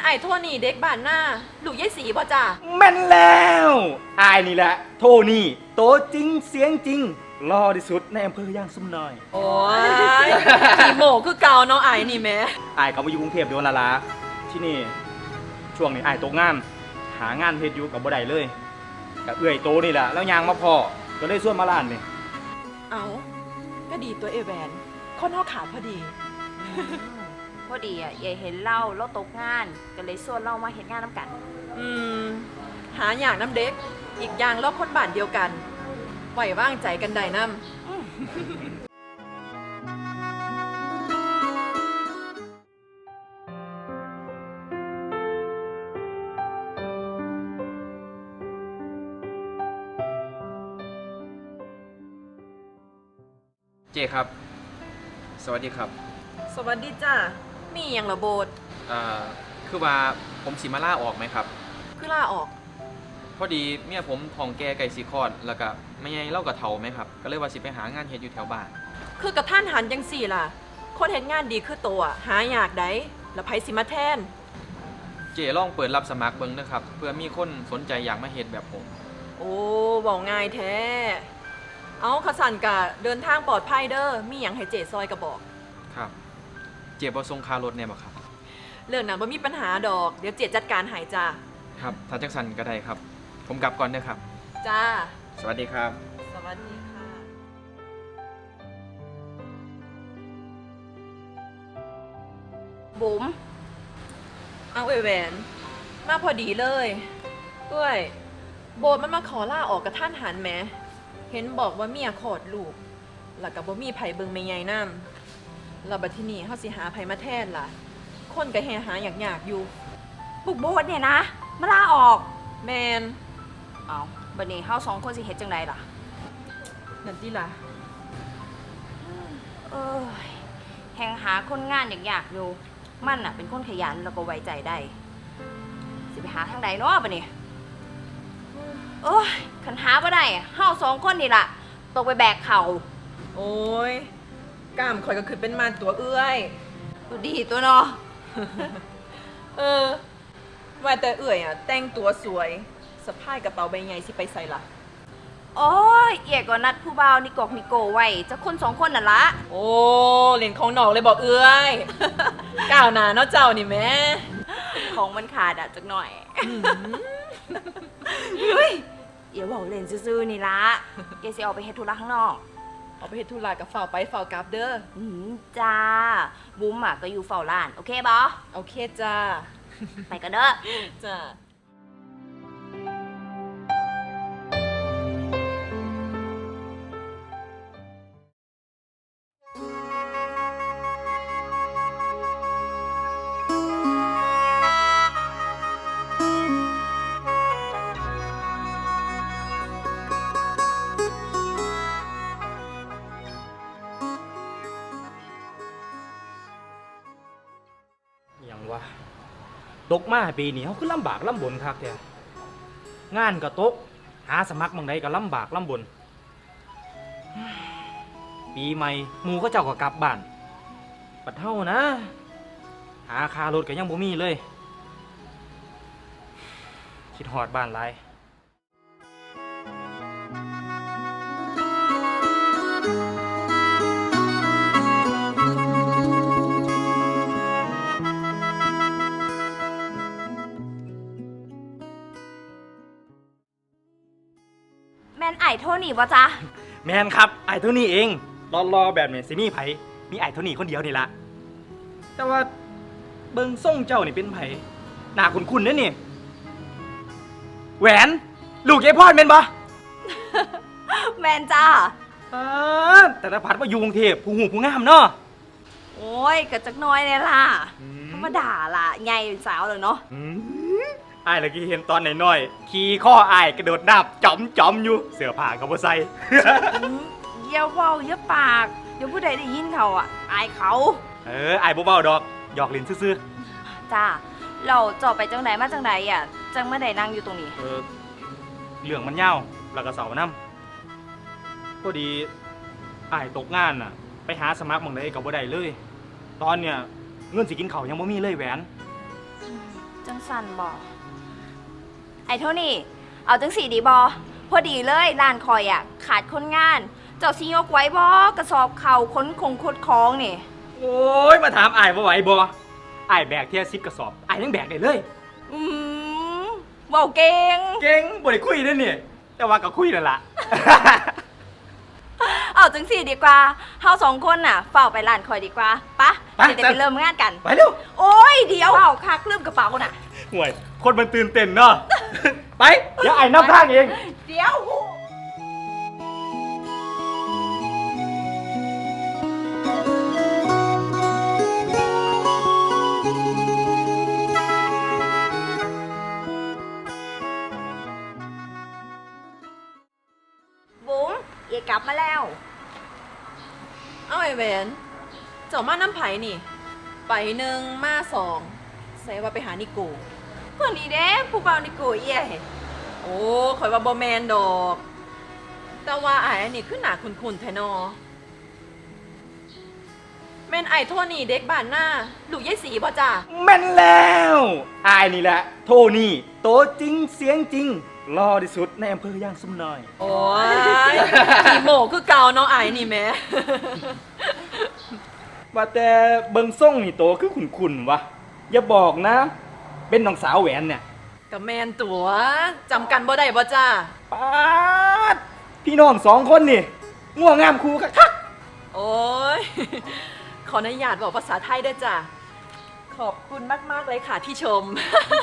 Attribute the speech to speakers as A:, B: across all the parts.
A: ไอ้โทนี่เด็กบ้านหน้าลูกยายสีบ่จ้า
B: แม่นแล้วอายนี่แหละโทนี่โตจริงเสียงจริงรอที่สุดในอำเภอย่างซุ่มน้อย
A: โอ้ยขี่โมคือเก่าเนาะไอ้นี่แม่
B: อายเขามาอยู่กรุงเทพโดนละละที่นี่ช่วงนี้อายตกงานหางานเฮ็ดอยู่กับบ่ได้เลยกับเอื้อยโตนี่แหละแล้วยางมาพอก็เลยส่วนมาล้านนี่
A: เอาก็ดีตัวเอแวนคนเฮาขาดพอดี
C: พอดียายเห็นเราตกงานก็เลยส่วนเรามาเห็นงานน้ำกัน
A: อืมหาอย่างน้ำเด็กอีกอย่างเราคนบ้านเดียวกันไหวว่างใจกันได้น้
D: เจครับ สวัสดีครับ
A: ำสวัสดีจ้ามีอย่างระโบด
D: คือว่าผมสิมาล่าออกไหมครับ
A: คือลาออก
D: พอดีเมียผมท้องแก่ไก่สีคลอดแล้วก็ไม่ไงเล่ากับเถาไหมครับ ก็เลยว่าสิไปหางานเฮ็ดอยู่แถวบ้าน
A: คือกับท่านหันยังสี่ล่ะ คนเห็นงานดีคือตัวหาอยากได้แล้วไผสิมาแทน
D: เจลองเปิดรับสมัครเบิ่งนะครับเพื่อมีคนสนใจอยากมาเฮ็ดแบบผม
A: โอ้บอกง่ายแท้ เอาขสันกะเดินทางปลอดภัยเด้อมีอย่างให้เจซอยกระบอก
D: ครับ เจบ่ส่งค่ารถแน่บ่ครับ
A: เรื่องนั้นบ่มีปัญหาดอก เดี๋ยวเจจัดการให้จ้า
D: ครับถ้าจังสันก็ได้ครับ ผมกลับก่อนเด้อครับ
A: จ้า
D: สวัสดีครับ
A: สวัสดีค่ะ
C: บุ๋ม
A: เอาแหวน มาพอดีเลยด้วยโบสมันมาขอลาออกกับท่านหันแหมเห็นบอกว่าเมียขอดลูก แล้วกับบ่มีไผเบิงไม่ใหญ่น้ำแล้วบัดที่นี่เฮาสิหาไผมาแทนล่ะ คนก็แห่หาอยากอยู่
C: บุกโบดเนี่ยนะมาลาออก
A: แมน
C: เอาบัดนี้เฮาสองคนสิเฮ็ดจังไดล่ะ
A: นั่นติล่ะ
C: เอ้ยแหงหาคนงานอยากอยู่มันน่ะเป็นคนขยันแล้วก็ไว้ใจได้สิไปหาทางใดเนาะบัดนี้โอ้ยคันหาบ่ได้เฮาสองคนนี่ล่ะตกไปแบกเขา
A: โอ้ยกล้ามข่อยก็คือเป็นมารตัวเอื้อย
C: ดูดีตัวเนาะ
A: เออ ว่าแต่เอื้อยอ่ะ แต่งตัวสวยสะพายกระเป๋าใบใหญ่สิไปใส่ล่ะ
C: โอ้ยเอียก็นัดผู้บ่าวนิกอกนิโกไว้จะคนสองคนน่ะละ
A: โอ้เล่นของนอกเลยบอกเอื้อย ก้าวหน้าเนาะเจ้านี่แม่
C: ของมันขาดอ่ะจักหน่อยเฮ้ยเดี๋ยวบอกเล่นซื่อๆนี่ละเดี๋ยวสิออกไปเฮ็ดธุระข้างนอก
A: เอาไปเฮ็ดธุระกับฝ่าวไปฝ่าวกลับเด้อ
C: จ้าบุ้มอ่ะก็อยู่เฝ้าร้านโอเคบอ
A: โอเคจ้า
C: ไปกันเด้อ
A: จ้า
B: อย่างวะตกมาปีนี้เขาคือลำบากลำบนคักแท้งานก็ตกหาสมัครบางใดก็ลำบากลำบน ปีใหม่หมู่เขาเจ้าก็กลับบ้านปัดเท่านะ หาคารถก็ยังบ่มีเลย คิดฮอดบ้านหลาย
C: แมนไอโทนี่บ่จ๊ะ
B: แมนครับไอ้เท่านี้เองรอแบบนี้สิมีไผมีไอ้เท่านี้คนเดียวนี่ละแต่ว่าเบิ่งส่งเจ้านี่เป็นไผหน้าคุ้นๆนั่นนี่แหวนลูกยายพอดแม่นบ่
C: แมนจ้า
B: แต่ละพัดว่าอยู่กรุงเทพผู้หูผู้งามเนาะ
C: โอ้ยกะจักหน้อยเนี่ยล่ะธรรมดาล่ะใหญ่เป็นสาวเลยเนาะ
B: ไอ้ายเมื่อกี้เห็นตอนน้อยๆขี่ข้อไอ้ายกระโดดน้ำจอมอยู่เสื้อผ้าก็บ่ใส่
C: อย่าเว้าอย่าปากเดี๋ยวผู้ใดได้ยินเขาอ่ะอายเขา
B: ไอ้ายบ่เบาดอกหยอกเล่นซื่อ
C: จ้าเราจอบไปจังไหนมาจังไหนอ่ะจังไม่ได้นั่งอยู่ตรงนี้
B: ๆเรื่องมันยาวแล้วก็เสาร์นำพอดีไอ้ายตกงานน่ะ ไปหาสมัครหม่องใดก็บ่ได้เลย ตอนเนี้ยเงินสิกินข้าวยังบ่มีเลยแหวน
C: จังสันบอไอ้เท่านี่เอาจังสีดีบอพอดีเลยร้านคอยอ่ะขาดคนงาน เจ้าสิยกไว้บอกระสอบเข่าค้นคงคดคล้องนี่
B: โอ้ยมาถามอายบ่ไหวบ่อายแบกเทีย10 กระสอบอายยังแบกได้เลย
C: อืมเบาเก่ง
B: เก่งบ่ได้คุยเด้อนี่แต่ว่าก็คุยนั่นล่ะ
C: เอาจังสีดีกว่าเฮาสองคนน่ะเฝ้าไปร้านคอยดีกว่าปะ
B: ไป
C: จะได้ไปเริ่มงานกัน
B: ไปเร็ว
C: โอ้ยเดี๋ยวเฝ้าคักลืมกระเป๋าน่ะ
B: ห่วยคนมันตื่นเต้นเนาะ ไปเดี๋ยวอายนำทางเอง
C: เดี๋ยว บุ๋มเอกลับมาแล้ว
A: เอาไอ้แหวนเจ้ามาน้ำไผ่นี่ ไปหนึ่งมาสองใส่ว่าไปหานิโก
C: เพื่อนนี่เด้ผู้เบานี่กูเอี่ย
A: โอ้ข่อยว่าบ่แมนดอก แต่ว่าไอ้อันนี้คือหนาคุ้นๆแท้นอแม่นไอ้โทนี่เด็กบ้านหน้าลูกยายสีบ่จ้า
B: แม่นแล้วอายนี่แหละ โทนี่โตจริงเสียงจริงรอที่สุดในอำเภอย่างซุ่มน้อย
A: โอ้ยขี่โมคือเก่าเนาะไอ้นี่แหม่
B: ว่าแต่เบิงส่งนี่โตคือขุนๆวะอย่าบอกนะ เป็นน้องสาวแหวนเนี่ย
A: กับแมนตัวจำกันบ่ได้บ่จ้า
B: ป๊าดพี่น้องสองคนนี่ง่วงงามครูคัก
A: โอ้ย ขออนุญาตบอกภาษาไทยด้วยจ้ะ ขอบคุณมาก ๆ เลยค่ะที่ชม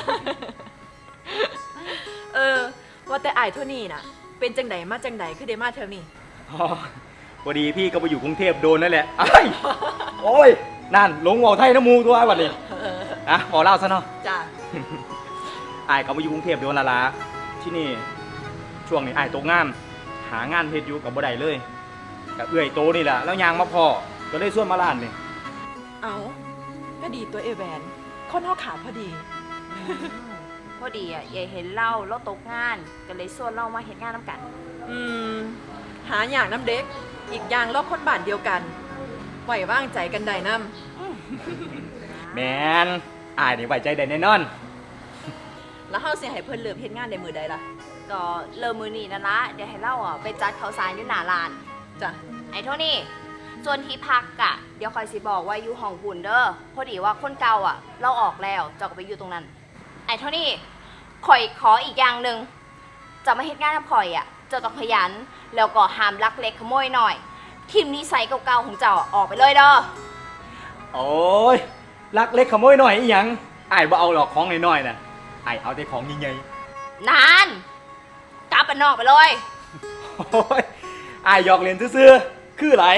A: ว่าแต่อายเท่านี้น่ะ เป็นจังไดมาจังไดคือได้มาเท่านี้
B: ๆอ๋อพอดีพี่ก็ไปอยู่กรุงเทพโดนนั่นแหละไอ้ายโอ้ยนั่นหลงเว่าไทยน้ำมูตัวไอ้วันนี้อ่ะขอเล่าซะเนาะ
A: จ้ะ
B: อายก็มาอยู่กรุงเทพโดนละละที่นี่ช่วงนี้อายตกงานหางานเฮ็ดอยู่กับบ่ได้เลยกับเอื้อยโตนี่แหละแล้วยางมาพอก็เลยส่วนมาร้านนี่
A: เอาก็ดีตัวเอแวนคนห้อขาดพอดี
C: พอดีอ่ะยายเห็นเล่าเราตกงานก็เลยส่วนเรามาเห็นงานน้ำกัน
A: อืม หาอย่างน้ำเด็ก อีกอย่างรอบคนบ้านเดียวกัน ไหวว่างใจกันได้น้
B: แมนอายนี่ไว้ใจได้แน่นอน
A: ำแล้วเฮาเสียให้เพิ่นเลิกเฮ็ดงานในมือใดล่ะ
C: ก็เริ่มมือนีนั่นละเดี๋ยวให้เล่าอ่ะไปจัดข้าวสารอยู่หน้าร้าน
A: จ้ะ
C: ไอ้โทนี่ส่วนที่พักอ่ะเดี๋ยวคอยสิบอกว่าอยู่ห้องบุญเด้อพอดีว่าคนเก่าอ่ะ เราออกแล้วเจ้าก็ไปอยู่ตรงนั้น ไอ้โทนี่คอยขออีกอย่างหนึ่งจะมาเฮ็ดงานกับคอยอ่ะเจ้าต้องขยันแล้วก็ห้ามลักเล็กขโมยหน่อยทิมนิสัยเก่าๆของเจ้าออกไปเลยเด้อ
B: โอ้ยลักเล็กขโมยหน่อยอีหยังอายบ่เอาหรอกของน้อยๆน่ะอายเอาแต่ของใหญ่
C: นานกลับไปนอกไปเลย
B: ๆโอ้ยอายหยอกเล่นซื่อๆคือไหล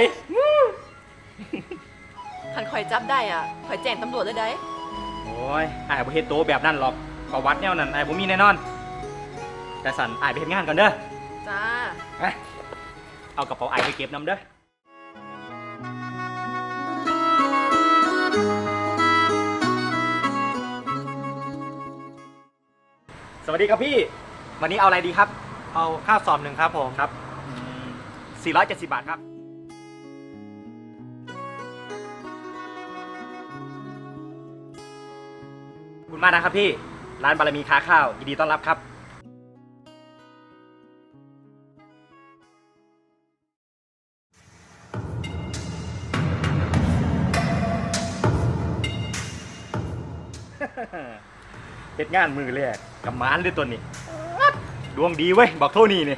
A: คันข่อยจับได้อ่ะข่อยแจ้งตำรวจเลยได้
B: โอ้ยอายบ่เฮ็ดโตแบบนั้นหรอกประวัติแนวนั้นอายบ่มีแน่นอน แต่สันอายไปเฮ็ดงานก่อนเด้อ
A: จ้า
B: ไปเอากระเป๋าอายไปเก็บนำเด้อสวัสดีครับพี่ วันนี้เอาอะไรดีครับ
E: เอาข้าวสอบหนึ่งครับผม
B: ครับ470 บาทครับ ขอบคุณมากนะครับพี่ ร้านบารมีค้าข้าวยินดีต้อนรับครับเฮ็ดงานมือแรกกับมานเลยตัวนี้ดวงดีเว้ย บอกโทนี่นี่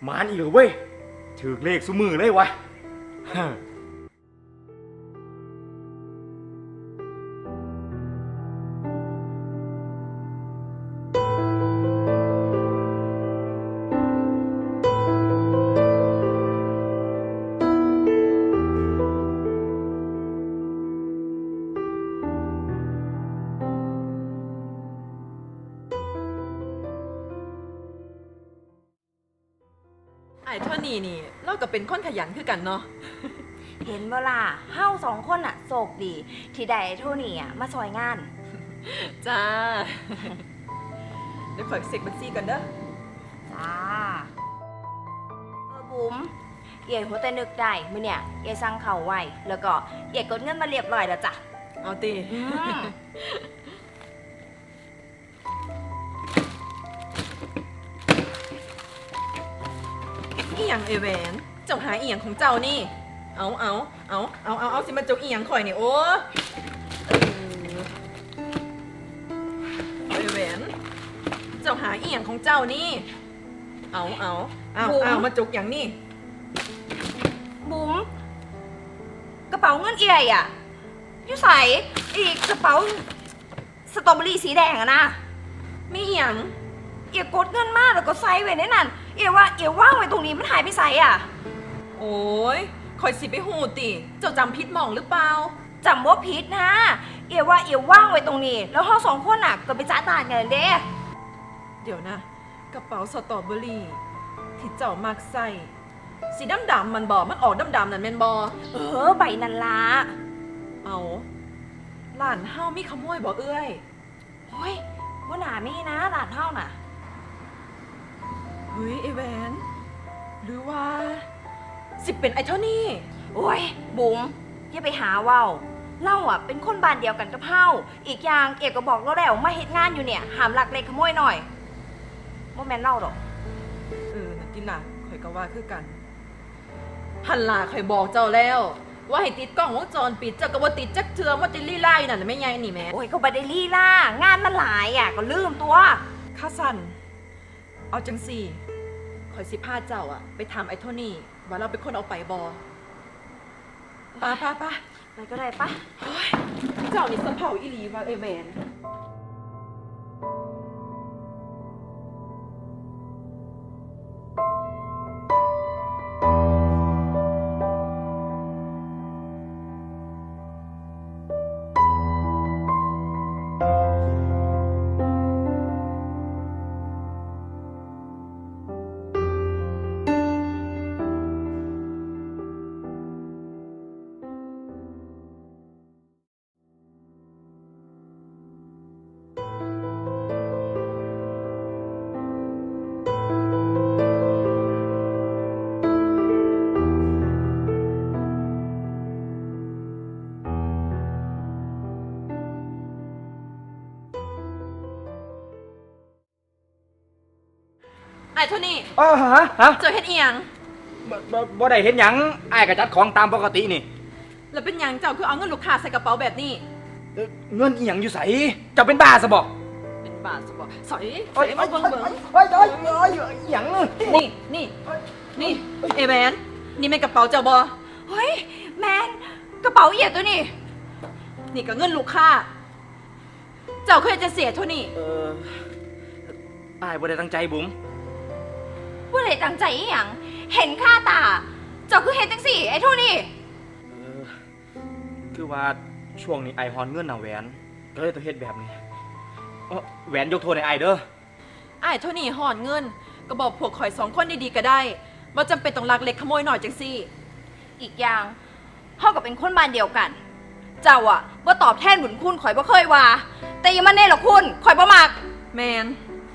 B: มานอีกเหรอเว้ยถือเลขซุมือเลยวะ
A: ไอ้เท่านี้นี่เราก็เป็นคนขยันคือกันเนาะ
C: เห็นบ่ล่ะเฮาสองคนอะโชคดี ที่ได้ไอ้โทนี่อะมาซอยงาน
A: จ้า เดี๋ยวขอเช็คบัญชีกันเด้อ
C: จ้าบุ๋มเอ๋หัวแต่นึกได้มื้อเนี่ยเอ๋สั่งเขาวไว้ แล้วก็เอ๋กดเงินมาเรียบร้อยแล้วจ้ะ
A: เอาตี
C: อืม
A: อีหยังเอแหวนเจ้าหาอีหยังของเจ้านี่ เอาสิมาเจ้าอีหยังข่อยนี่โอ้เอแหวนเจ้าหาอีหยังของเจ้านี่ เอามาจุกอย่างนี่
C: บุ๋มกระเป๋าเงินเอ๋อะอยู่ใส่อีกกระเป๋าสตรอเบอรี่สีแดงอะนะ
A: มีอีหยัง
C: เอ๋กดเงินมาแล้วก็ใส่ไว้ในนั้นเอ๋ว่าเอ๋ว่างไว้ตรงนี้มันหายไปใส่อะ
A: โอ้ยข่อยสิไปหูติ เจ้าจำพิษหมองหรือเปล่า
C: จำว่าผิดนะ เอ๋ว่าเอ๋ว่างไว้ตรงนี้ แล้วเราสองคนน่ะก็ไปจ้าตานกันเด้
A: เดี๋ยวนะ กระเป๋าสตรอเบอรี่ที่เจ้ามักใส่สีดำๆมันบอมันออกดำๆนั่นแม่นบอ
C: ใบนันละ
A: เอาหลานเฮามีขโมยบ่เอ้ย
C: โอ้ยว่าหนามีนะหลานเท่าน่ะ
A: เฮ้ยไอแหวนหรือว่า สิเป็นไอเท่านี้
C: โอ้ยบุ๋มอย่าไปหาเว้าเล่าอ่ะเป็นคนบ้านเดียวกันกับเฮาอีกอย่างเอกก็บอกเราแล้วมาเฮ็ดงานอยู่เนี่ยหามหลักเล็กขโมยหน่อยโมแมนเล่าดอก
A: นักกินล่ะข่อยก็ว่าคือกัน หันล่ะข่อยบอกเจ้าแล้ว ว่าให้ติดกล้องวงจรปิดเจ้าก็บ่ติดจักเทือว่าติดลี่ไล่นั่นน่ะแม่ยายนี่แหม่
C: โอ้ยก็บ่ได้ลี่ล่างานมันหลายอ่ะก็ลืมตัว
A: ข้าสั่นเอาจังสี่ข่อยสิพาเจ้าอะไปถามไอ้โทนี่ว่าเราเป็นคนเอาไปบอป้า
C: ไปก็ได้ปะ
A: เจ้านี่สะเผาอีหลีว่าเอแมนไอ้โทนี่
B: ฮะ
A: เจ้าเฮ็ดอีหยัง
B: บ่ได้เห็นหยังอ้ายก็จัดของตามปกตินี่
A: แล้วเป็นหยังเจ้าคือเอาเงินลูกค้าใส่กระเป๋าแบบนี้
B: เงินอีหยังอยู่ไสเจ้าเป็นบ้าซะบ่
A: เป็นบาทสบอสอยใส่มาเบิ่ง
B: เฮ้ยอีหยัง
A: นี่เอแมนนี่เป็นกระเป๋าเจ้าบอ
C: เฮ้ยแมนกระเป๋าเอียดตัวนี่
A: นี่ก็เงินลูกค้า เจ้าเคยจะเสียโทนี่
B: อ้ายบ่ได้ตั้งใจบุ๋ม
C: ว่าไหนตั้งใจอีหยังเห็นค่าตา เจ้าคือเฮ็ดจังสี่ไอ้โทนี่
B: คือว่าช่วงนี้ไอฮอนเงินน่ะแหวนก็เลยต้องเฮ็ดแบบนี้แหวนยกโทษให้ไอเด้อ
A: ไอ้ายโทนี่หอนเงิน ก็บอกพวกข่อย2 คนดีๆก็ได้ว่าจำเป็นต้องลักเล็กขโมยหน่อยจังซี่
C: อีกอย่างเฮาก็เป็นคนบ้านเดียวกัน เจ้าอะบ่ตอบแทนบุญคุณข่อยบ่เคยว่า แต่อยังมันแน่หรอกคุณข่อยบ่มัก
A: แมน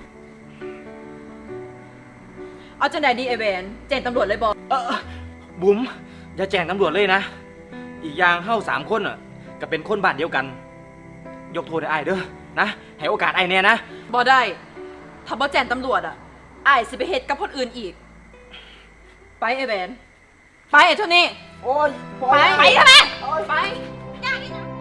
A: เอาจังใดดีไอแวนแจ้งตำรวจเลยบอก
B: บุ๋มอย่าแจ้งตำรวจเลยนะ อีกอย่างเฮา3 คนอ่ะก็เป็นคนบ้านเดียวกัน ยกโทษให้ไอเด้อนะให้โอกาสไอแน่นะ
A: บอได้ ถ้าบอแจ้งตำรวจอ่ะไอ้ายสิไปเฮ็ดกับคนอื่นอีก ไปไอแวนไปไอ้โทนี่
B: โอ้ย
A: ไป
C: ไปทำไม
A: ไป
C: อย่างนี้นะ